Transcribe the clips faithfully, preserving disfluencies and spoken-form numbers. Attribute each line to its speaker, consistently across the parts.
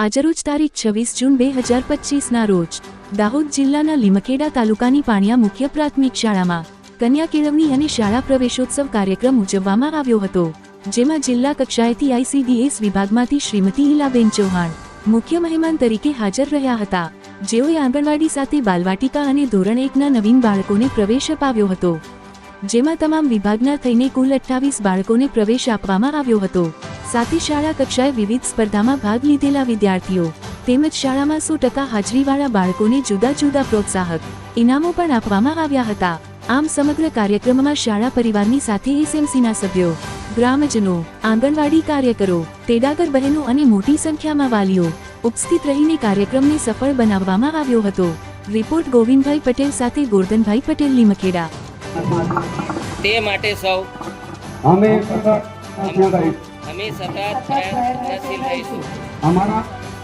Speaker 1: આજરોજ તારીખ છવ્વીસ જૂન બે હજાર પચીસના રોજ દાહોદ જિલ્લાના લીમખેડા તાલુકાની પાણિયા મુખ્ય પ્રાથમિક શાળામાં કન્યા કેળવણી અને શાળા પ્રવેશોત્સવ કાર્યક્રમ ઉજવવામાં આવ્યો હતો, જેમાં જિલ્લા કક્ષાએથી આઈસીડીએસ વિભાગમાંથી શ્રીમતી ઈલાબેન ચૌહાણ મુખ્ય મહેમાન તરીકે હાજર રહ્યા હતા, જેઓએ આંગણવાડી સાથે બાલવાટિકા અને ધોરણ એકના નવીન બાળકોને પ્રવેશ અપાવ્યો હતો, જેમાં તમામ વિભાગના થઈને કુલ અઠ્ઠાવીસ બાળકોને પ્રવેશ આપવામાં આવ્યો હતો। સાથે શાળા કક્ષાએ વિવિધ સ્પર્ધામાં ભાગ લીધેલા વિદ્યાર્થીઓ તેમજ શાળામાં સો ટકા હાજરીવાળા બાળકોને જુદા જુદા પ્રોત્સાહક ઇનામો પણ આપવામાં આવ્યા હતા। આમ સમગ્ર કાર્યક્રમમાં શાળા પરિવારની સાથે એસએમસીના સભ્યો, ગ્રામજનો, આંગણવાડી કાર્યકરો, તેડાગર બહેનો અને મોટી સંખ્યામાં વાલીઓ ઉપસ્થિત રહીને કાર્યક્રમને સફળ બનાવવામાં આવ્યો હતો। રિપોર્ટ ગોવિંદભાઈ પટેલ સાથે ગોરધનભાઈ પટેલ, લીમખેડા।
Speaker 2: તે માટે સૌ
Speaker 3: અમે
Speaker 2: અમે સતત પ્રયત્નશીલ રહીશું।
Speaker 3: અમારા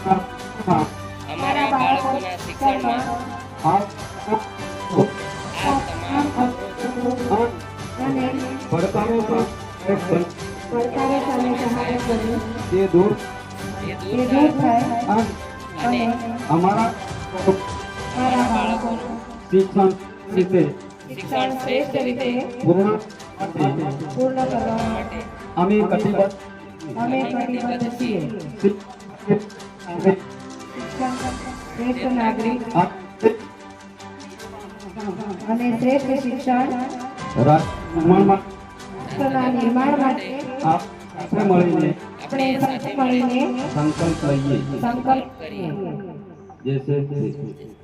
Speaker 2: અમારા બાળકોના શિક્ષણમાં આ તમામ
Speaker 3: પડકારો
Speaker 2: જે
Speaker 3: દૂર
Speaker 2: થાય અને
Speaker 3: અમારા
Speaker 2: બાળકોનું
Speaker 3: શિક્ષણ રીતે
Speaker 2: શિક્ષણ શ્રેષ્ઠ રીતે
Speaker 3: પૂર્ણ
Speaker 2: પૂર્ણ કરવા માટે
Speaker 3: અમે કટિબદ્ધ
Speaker 2: અમે કટિબદ્ધ છીએ।
Speaker 4: શ્રેષ્ઠ નાગરિક અને શ્રેષ્ઠ શિક્ષણ રાષ્ટ્રના નિર્માણ માટે
Speaker 3: આપણે મળીને
Speaker 2: આપણે સાથે
Speaker 4: મળીને
Speaker 3: સંકલ્પ લઈએ।
Speaker 4: સંકલ્પ
Speaker 2: કરીએ।
Speaker 3: જય શ્રી કૃષ્ણ।